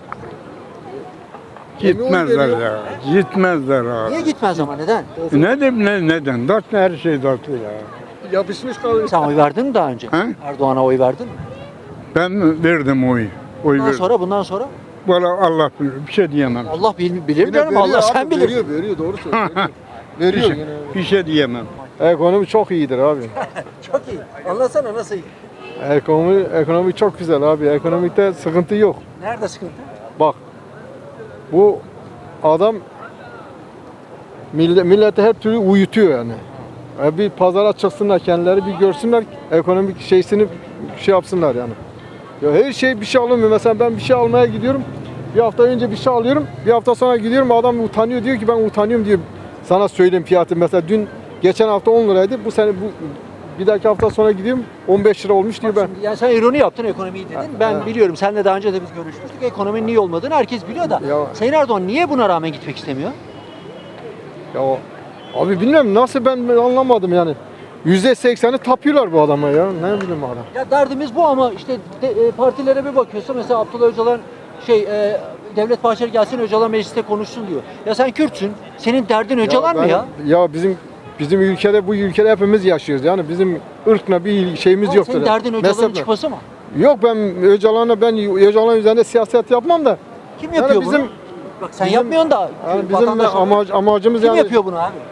Speaker 5: Gitmezler ya. Gitmezler abi.
Speaker 3: Niye gitmez ama neden?
Speaker 5: Neden? Dört her şey dörtlü ya.
Speaker 11: yapışmış kalıyor.
Speaker 3: Sen oy verdin mi daha önce?
Speaker 5: Ha?
Speaker 3: Erdoğan'a oy verdin mi?
Speaker 5: Ben verdim oyu. Oy verdim.
Speaker 3: Bundan sonra
Speaker 5: Valla Allah bilir. Bir şey diyemem.
Speaker 3: Allah bilir
Speaker 11: Yine
Speaker 3: canım,
Speaker 11: veriyor
Speaker 3: Allah
Speaker 11: abi,
Speaker 3: sen bilirsin.
Speaker 11: Veriyor doğru söylüyor.
Speaker 5: Bir
Speaker 11: veriyor
Speaker 5: şey,
Speaker 11: yine.
Speaker 5: bir şey diyemem.
Speaker 11: Ekonomi çok iyidir abi.
Speaker 3: Çok iyi. Anlatsana nasıl iyi?
Speaker 11: Ekonomi çok güzel abi. Ekonomikte sıkıntı yok.
Speaker 3: Nerede sıkıntı?
Speaker 11: Bak bu adam millete her türlü uyutuyor yani. Bir pazara çıksınlar kendileri bir görsünler ekonomik şeysini şey yapsınlar yani. Ya her şey bir şey alınmıyor. Mesela ben bir şey almaya gidiyorum. Bir hafta önce bir şey alıyorum. Bir hafta sonra gidiyorum adam utanıyor diyor ki ben utanıyorum diyor. Sana söyleyeyim fiyatı. Mesela geçen hafta 10 liraydı. Bu sene bir dahaki hafta sonra gidiyorum 15 lira olmuş diyor ben.
Speaker 3: Şimdi yani sen ironi yaptın, ekonomiyi dedin. Ben biliyorum, seninle daha önce de biz görüşmüştük. Ekonominin iyi olmadığını herkes biliyor da.
Speaker 11: Ya.
Speaker 3: Sayın Erdoğan niye buna rağmen gitmek istemiyor?
Speaker 11: Ya abi bilmiyorum nasıl ben anlamadım yani. %80'i tapıyorlar bu adama ya. Ne bileyim adam.
Speaker 3: Ya derdimiz bu ama işte partilere bir bakıyorsa mesela Abdullah Öcalan Devlet Bahçeli gelsin Öcalan mecliste konuşsun diyor. Ya sen Kürtsün. Senin derdin Öcalan mı ya?
Speaker 11: Ya bizim ülkede bu ülkede hepimiz yaşıyoruz. Yani bizim ırkla bir şeyimiz
Speaker 3: Ama
Speaker 11: yoktur.
Speaker 3: senin derdin Öcalan'ın
Speaker 11: Mezheple.
Speaker 3: çıkması mı?
Speaker 11: Yok ben Öcalan üzerinde siyaset yapmam da.
Speaker 3: Kim yapıyor
Speaker 11: bizim,
Speaker 3: bunu? Bak sen
Speaker 11: bizim-
Speaker 3: yapmıyorsun da.
Speaker 11: Yani bizim
Speaker 3: vatandaş olarak-
Speaker 11: amacımız
Speaker 3: Kim
Speaker 11: yani
Speaker 3: yapıyor bunu abi?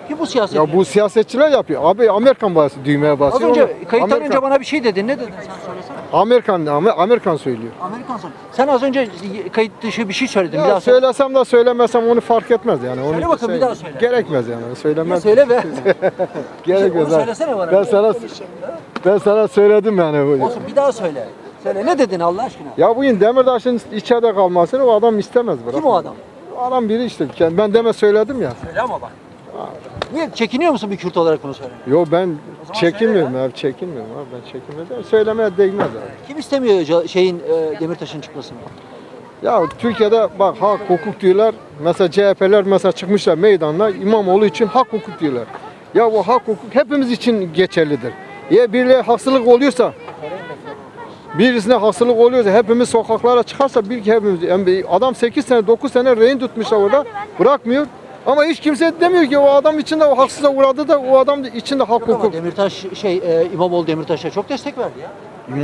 Speaker 3: Kim bu siyasetçi?
Speaker 11: Ya bu siyasetçiler yapıyor. Abi Amerikan basıyor, düğmeye
Speaker 3: Az
Speaker 11: basıyor.
Speaker 3: önce
Speaker 11: Onu-
Speaker 3: kayıttan
Speaker 11: Amerikan-
Speaker 3: önce bana bir şey dedin. Ne dedin sen söylesene.
Speaker 11: Amerikan söylüyor.
Speaker 3: Amerikan son. Sen az önce kayıt dışı bir şey söyledin. Bir
Speaker 11: Ya
Speaker 3: daha söyle.
Speaker 11: söylesem de söylemesem onu fark etmez yani. Onu
Speaker 3: Söyle bakın, bir daha söyle.
Speaker 11: Gerekmez yani. Söylemez.
Speaker 3: Söyle be.
Speaker 11: Gerekmez.
Speaker 3: Onu söylesene bana.
Speaker 11: Ben sana söyledim yani.
Speaker 3: Olsun, bir daha söyle. Söyle, ne dedin Allah aşkına?
Speaker 11: Ya bugün Demirtaş'ın içeride kalmasını o adam istemez. Bırak.
Speaker 3: Kim o adam?
Speaker 11: O adam biri işte. Ben deme söyledim ya.
Speaker 3: Söyle ama bak. Niye çekiniyor musun bir Kürt olarak bunu söylemeye?
Speaker 11: Yo ben çekinmiyorum abi, çekinmiyorum abi, ben çekinmiyorum. Söylemeye değmez abi.
Speaker 3: Kim istemiyor Demirtaş'ın çıkmasını?
Speaker 11: Ya Türkiye'de bak hak hukuk diyorlar. Mesela CHP'ler mesela çıkmışlar meydanla İmamoğlu için hak hukuk diyorlar. Ya bu hak hukuk hepimiz için geçerlidir. Ya birileri haksızlık oluyorsa, birisine haksızlık oluyorsa, hepimiz sokaklara çıkarsa bir ki hepimiz. Yani adam 8 sene 9 sene rehin tutmuşlar orada, bırakmıyor. Ama hiç kimse demiyor ki o adam içinde o haksıza uğradı da o adam içinde hak
Speaker 3: Yok ama
Speaker 11: hukuk.
Speaker 3: Demirtaş İmamoğlu Demirtaş'a çok destek verdi ya.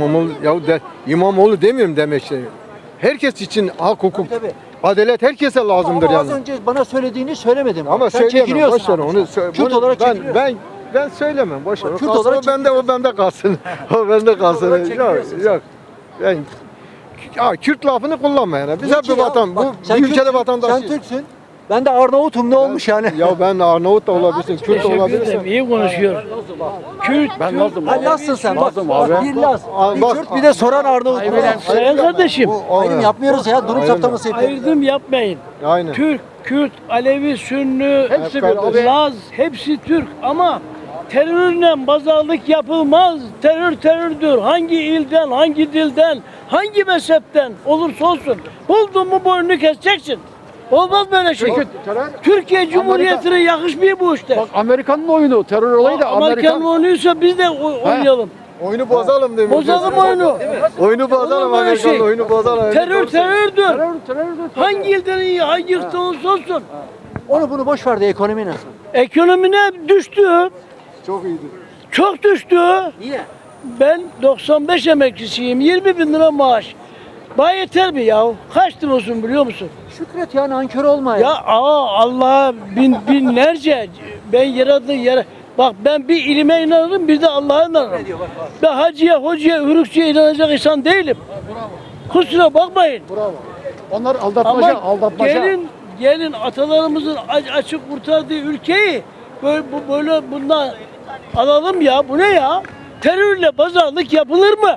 Speaker 11: İmamoğlu demiyorum demek şey. Herkes için hak hukuk.
Speaker 3: Tabii.
Speaker 11: Adalet herkese lazımdır
Speaker 3: Ama
Speaker 11: yani.
Speaker 3: az önce bana söylediğini söylemedim.
Speaker 11: Ama
Speaker 3: sen
Speaker 11: söyleyemem.
Speaker 3: çekiniyorsun.
Speaker 11: Boş ver
Speaker 3: abi.
Speaker 11: onu.
Speaker 3: Kürt olarak çekiniyorsun.
Speaker 11: Ben söylemem. Boş ver.
Speaker 3: Kürt
Speaker 11: O kalsın,
Speaker 3: olarak
Speaker 11: o bende kalsın. O bende kalsın.
Speaker 3: olarak
Speaker 11: Yok,
Speaker 3: çekiniyorsun sen.
Speaker 11: yok. Ben Kürt lafını kullanma yani. Biz
Speaker 3: Niye
Speaker 11: hep
Speaker 3: ki
Speaker 11: bir
Speaker 3: ya?
Speaker 11: vatan.
Speaker 3: Bak,
Speaker 11: Bu
Speaker 3: sen
Speaker 11: ülkede
Speaker 3: Türksün,
Speaker 11: vatandaşıyız.
Speaker 3: Sen Türksün. Ben de Arnavut'um, ne olmuş yani?
Speaker 11: Ya ben Arnavut da olabilirsin, Kürt de olabilirsin.
Speaker 1: İyi konuşuyor. Kürt,
Speaker 2: Ben Lazım.
Speaker 3: Ha, Lazsın sen. Bak,
Speaker 2: Lazım abi.
Speaker 3: bir Laz, bir
Speaker 11: Bak-
Speaker 3: Kürt, bir de soran Arnavut.
Speaker 1: sayın kardeşim,
Speaker 3: Ayrım yapmıyoruz ya. Durum
Speaker 11: Aynen.
Speaker 3: saptaması yapıyoruz.
Speaker 1: ayrım yapmayın.
Speaker 11: Aynen.
Speaker 1: Türk, Kürt, Alevi, Sünni,
Speaker 11: Hepsi bir.
Speaker 1: Laz, hepsi Türk ama terörle pazarlık yapılmaz. Terör terördür. Hangi ilden, hangi dilden, hangi mezhepten olursa olsun. Buldun mu boynunu keseceksin. Olmaz böyle şey. Türkiye Cumhuriyeti'ne yakışmıyor bu işte.
Speaker 2: Bak Amerikan'ın oyunu, terör olayı da
Speaker 1: Amerikan oynuyorsa biz de oynayalım.
Speaker 11: Oyunu bozalım demiş.
Speaker 1: Bozalım oyunu.
Speaker 11: Oyunu bozalım
Speaker 1: Olur böyle
Speaker 11: Amerikan'la,
Speaker 1: şey.
Speaker 11: oyunu bozalım.
Speaker 1: Terör terördür.
Speaker 2: Terördür.
Speaker 1: Hangi ilden iyi, hangi ırktan olursa olsun.
Speaker 3: Onu bunu boş ver de ekonomi nasıl?
Speaker 1: Ekonomine düştü.
Speaker 11: Çok iyiydi.
Speaker 1: Çok düştü.
Speaker 3: Niye?
Speaker 1: Ben 95 emeklisiyim. 20 bin lira maaş. Bana yeter mi ya? Kaç lira olsun biliyor musun?
Speaker 3: Şükret ya, nankör olma ya.
Speaker 1: Ya Allah'a binlerce ben yaradı. Bak ben bir ilime inanırım, bir de Allah'a inanırım. Ben hacıya, hocaya, hürükçüye inanacak insan değilim. Kusura bakmayın.
Speaker 2: Onlar
Speaker 1: Ama
Speaker 2: aldatmaca.
Speaker 1: gelin atalarımızın açık kurtardığı ülkeyi böyle bundan alalım ya. Bu ne ya? Terörle pazarlık yapılır mı?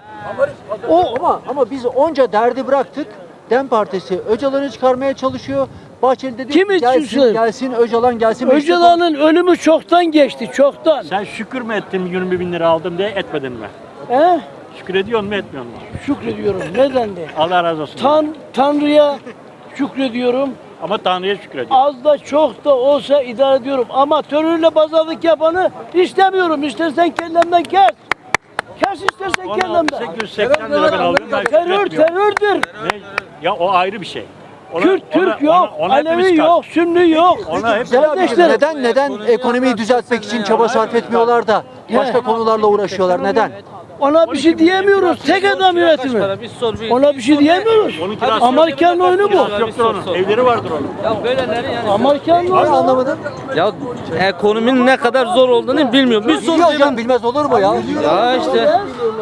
Speaker 3: Ama biz onca derdi bıraktık. DEM Partisi Öcalan'ı çıkarmaya çalışıyor. Bahçeli dedi
Speaker 1: Kim
Speaker 3: gelsin,
Speaker 1: istiyorsun?
Speaker 3: gelsin Öcalan gelsin.
Speaker 1: Öcalan'ın ölümü çoktan geçti, çoktan.
Speaker 12: Sen şükür mü ettin 20 bin lira aldım diye etmedin mi?
Speaker 1: He?
Speaker 12: Şükür ediyor mu etmiyor mu?
Speaker 1: Şükrediyorum. Neden de?
Speaker 12: Allah razı olsun.
Speaker 1: Tanrı'ya şükrediyorum.
Speaker 12: Ama Tanrı'ya şükür ediyor.
Speaker 1: Az da çok da olsa idare ediyorum. Ama terörle pazarlık yapanı istemiyorum. İstersen kellemden kes. Kes istersen
Speaker 12: Onu
Speaker 1: kellemden.
Speaker 12: 880 lira ben alıyorum. Ben
Speaker 1: Terör
Speaker 12: şükür etmiyorum.
Speaker 1: terördür.
Speaker 12: Ne? Ya o ayrı bir şey.
Speaker 1: Kürt, Türk yok,
Speaker 12: ona hepimiz
Speaker 1: Alevi
Speaker 12: karşı.
Speaker 1: yok, Sünni yok.
Speaker 12: Ona hep
Speaker 3: Kardeşlerim, neden ekonomiyi düzeltmek için çaba sarf etmiyorlar da başka konularla uğraşıyorlar? Neden?
Speaker 1: Ona bir şey diyemiyoruz. Tek adam yönetimi. Ona bir şey diyemiyoruz.
Speaker 12: Onun kirası
Speaker 1: Amerikan oyunu bu.
Speaker 12: yoktur onun. Evleri vardır onun.
Speaker 8: Ya böyleleri yani.
Speaker 1: Amerikan oyunu.
Speaker 3: Anlamadım.
Speaker 8: Ya ekonominin ne kadar zor olduğunu bilmiyorum. Bir soru
Speaker 3: Biliyor hocam, bilmez olur mu ya?
Speaker 8: Ya işte.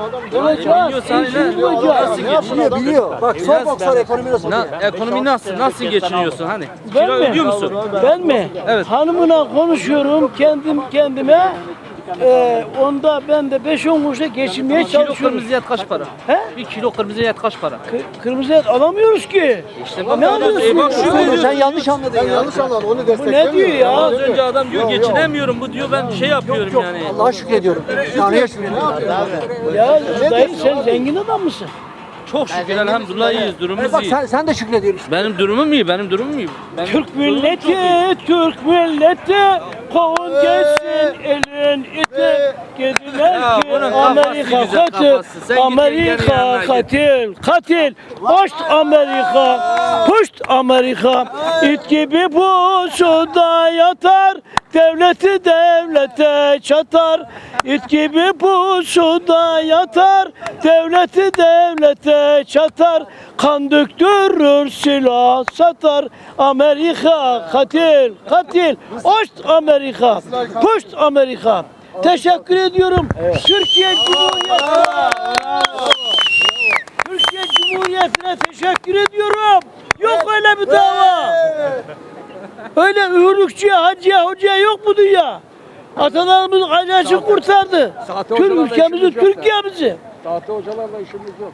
Speaker 3: Biliyor. Bak sor ekonomi nasıl?
Speaker 8: Ekonomi nasıl geçiniyorsun hani?
Speaker 1: Ben
Speaker 8: Kira
Speaker 1: mi?
Speaker 8: ödüyor musun?
Speaker 1: Ben mi?
Speaker 8: Evet.
Speaker 1: Hanımına konuşuyorum kendime. Onda ben de 5-10 kuruşa geçinmeye
Speaker 8: Kilo
Speaker 1: çalışıyorum.
Speaker 8: kırmızı et kaç para?
Speaker 1: He?
Speaker 8: Bir kilo kırmızı et kaç para?
Speaker 1: Kırmızı et alamıyoruz ki.
Speaker 8: İşte
Speaker 1: Ne alıyorsun?
Speaker 8: bak şu
Speaker 3: Sen yanlış anladın ya.
Speaker 11: Yanlış anladın, onu
Speaker 1: Bu ne
Speaker 11: desteklemiyorum.
Speaker 1: diyor ya?
Speaker 8: Az önce adam diyor geçinemiyorum bu diyor ben şey yapıyorum yani.
Speaker 3: Allah'a şükrediyorum. Tanrı'ya şükrediyorum.
Speaker 1: Ya dayı sen zengin adam mısın?
Speaker 8: Çok şükür elhamdülillah iyiyiz durumumuz
Speaker 3: Bak
Speaker 8: iyi.
Speaker 3: sen de şükrediyorsun.
Speaker 8: Benim durumum iyi Benim
Speaker 1: Türk milleti kovun geçsin elin iti. Dediler
Speaker 8: Ya
Speaker 1: ki
Speaker 8: bunun kafası
Speaker 1: Amerika
Speaker 8: güzel,
Speaker 1: katil,
Speaker 8: kafası. Sen git
Speaker 1: Amerika
Speaker 8: yanına git.
Speaker 1: katil, puşt Amerika, puşt Amerika. İt gibi pusuda yatar, Devleti devlete çatar, it gibi pusuda yatar. Devleti devlete çatar, kan döktürür silah satar. Amerika katil, katil. Ost Amerika, puşt Amerika. Teşekkür ediyorum. Türkiye Cumhuriyeti'ne. Türkiye Cumhuriyeti'ne teşekkür ediyorum. Yok öyle bir dava. Öyle ühürlükçüye, hacıya, hocaya yok bu dünya. Atalarımız acısını kurtardı. Tüm ülkemizi, Türkiye'mizi.
Speaker 2: Sahte hocalarla işimiz yok.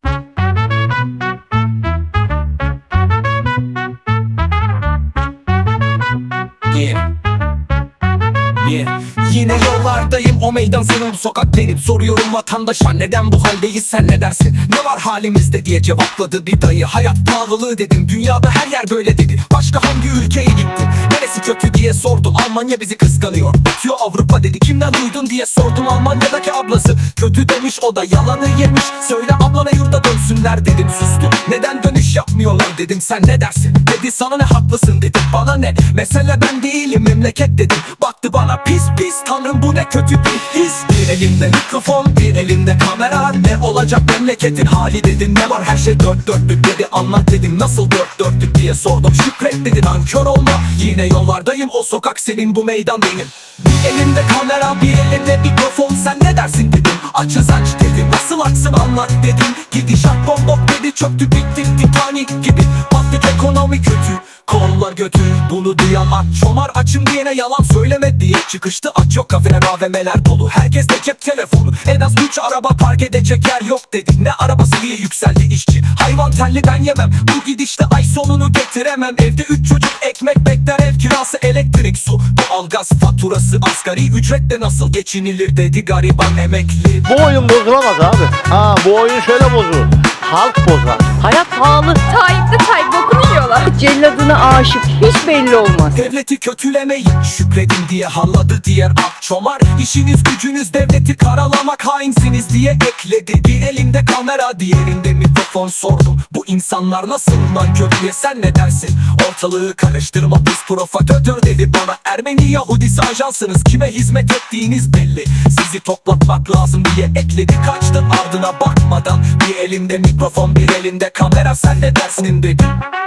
Speaker 13: Yine yollardayım, o meydan senin, bu sokak benim. Soruyorum vatandaşa, neden bu haldeyiz, sen ne dersin? Ne var halimizde diye cevapladı bir dayı. Hayat pahalılığı dedim, dünyada her yer böyle dedi. Başka hangi ülkeye gittin, neresi kötü diye sordum. Almanya bizi kıskanıyor, bitiyor Avrupa dedi. Kimden duydun diye sordum, Almanya'daki ablası. Kötü demiş, o da yalanı yemiş. Söyle ablana yurda dönsünler dedim, sustu. Neden dönüş yapmıyorlar dedim, sen ne dersin? Dedi sana ne, haklısın dedim, bana ne? Mesele ben değilim, memleket dedim. Baktı bana pis pis, tanrım bu ne kötü bir his. Bir elimde mikrofon, bir elimde kamera. Ne olacak memleketin hali dedim. Ne var, her şey dört dörtlük dedi. Anlat dedim, nasıl dört dörtlük diye sordum. Şükret dedi, nankör olma. Yine yollardayım, o sokak senin, bu meydan benim. Bir elimde kamera, bir elimde mikrofon. Sen ne dersin dedim, açız aç dedim. Nasıl aksın anlat dedim. Gidişat bombok dedi, çöktü bitti Titanic gibi. Patlık ekonomi kötü, kollar götü. Bunu duyan aç çomar, açım diyene yalan söyleme diye çıkıştı. Aç yok, kafeler AVM'ler dolu, herkes de cep telefonu. En az 3 araba park edecek yer yok dedik. Ne arabası diye yükseldi işçi. Hayvan telli ben yemem, bu gidişte ay sonunu getiremem. Evde 3 çocuk ekmek bekler, ev kirası, elektrik, su, doğalgaz faturası. Asgari ücretle nasıl geçinilir dedi gariban emekli.
Speaker 14: Bu oyun bozulamaz abi. Ha, bu oyun şöyle bozulur. Halk bozar.
Speaker 15: Hayat pahalı. Tayyip de Tayyip bokunu yiyorlar. Celladına aşık hiç belli olmaz.
Speaker 13: Devleti kötülemeyin, şükredin diye halladı diğer akçomar. İşiniz gücünüz devleti karalamak, hainsiniz diye ekledi. Bir elimde kamera, diğerinde mikrofon, sordum. Bu insanlar nasıl nankör diye, sen ne dersin? Ortalığı karıştırma biz provokatör dedi bana. Ermeni Yahudisi ajansınız, kime hizmet ettiğiniz belli. Sizi toplatmak lazım diye ekledi, kaçtı ardına bakmadan. Bir elimde mikrofon, bir elinde kamera, sen ne dersin dedi.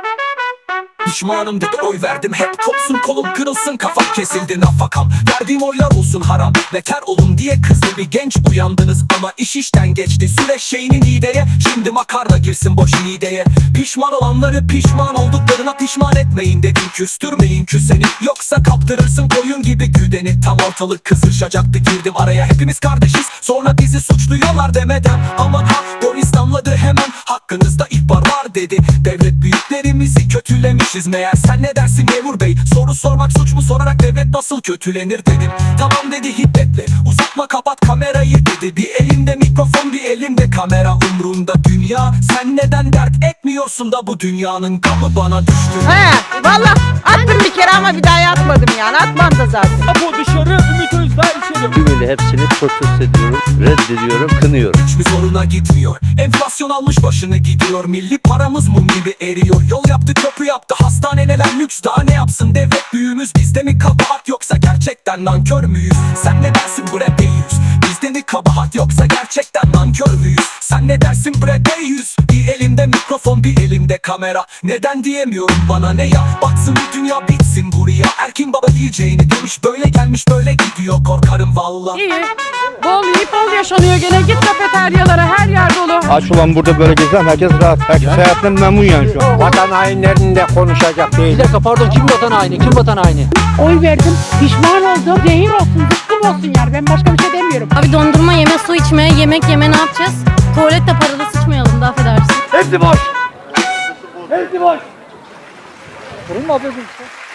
Speaker 13: Pişmanım dedi, oy verdim hep kopsun kolum kırılsın, kafam kesildi nafakam. Verdiğim oylar olsun haram, beter olun diye kızdı bir genç. Uyandınız ama iş işten geçti, süreç şeyinin ideye. Şimdi makarna girsin boş ideye. Pişman olanları pişman olduklarına pişman etmeyin dedim. Küstürmeyin küseni, yoksa kaptırırsın koyun gibi güdeni. Tam ortalık kızışacaktı, girdim araya, hepimiz kardeşiz. Sonra bizi suçluyorlar demeden, aman ha polis damladı hemen. Hakkınızda ihbar var dedi, devlet büyüklerimizi kötülemişiz meğer. Sen ne dersin memur bey, soru sormak suç mu, sorarak devlet nasıl kötülenir dedim. Tamam dedi hiddetle, uzatma kapat kamerayı dedi. Bir elimde mikrofon, bir elimde kamera, umrunda dünya. Sen neden dert etmiyorsun da bu dünyanın gamı bana düştü.
Speaker 15: He valla attım bir kere ama bir daha atmadım yani, atmam da zaten.
Speaker 12: Bu dışarı, Ümit Özdağ içeri.
Speaker 14: Tümüyle hepsini protesto ediyorum, reddediyorum, kınıyorum.
Speaker 13: Hiçbir zoruna gitmiyor, enflasyon almış başını gidiyor. Milli paramız mum gibi eriyor. Yol yaptı, köprü yaptı, hastaneler lüks, daha ne yapsın devlet büyüğümüz? Bizde mi kabahat, yoksa gerçekten nankör müyüz? Sen ne dersin bre beyüz? Bizde mi kabahat, yoksa gerçekten nankör müyüz? Sen ne dersin bre beyüz? Bir elimde mikrofon, bir elimde kamera. Neden diyemiyorum, bana ne ya? Baksın bu dünya, bitsin buraya. Erkin baba diyeceğini demiş, böyle gelmiş böyle gidiyor, korkarım valla.
Speaker 15: İyi. Bol yiyip bol yaşanıyor gene, git kafeteryalara, her yer dolu.
Speaker 4: Aç ulan burada böyle gezen herkes rahat. Herkes hayatından memnun yani şu an. Vatan hainlerinde konuşacak değil.
Speaker 3: Bir dakika pardon, kim vatan haini, kim vatan haini?
Speaker 15: Oy verdim, pişman oldum. Zehir olsun, zıkkım olsun yani, ben başka bir şey demiyorum.
Speaker 16: Abi dondurma yeme, su içme, yemek yeme, ne yapacağız? Tuvalette paralı sıçmayalım da, affedersin.
Speaker 14: Hepsi boş. Hepsi boş.
Speaker 3: Sorun mu yapıyorsun?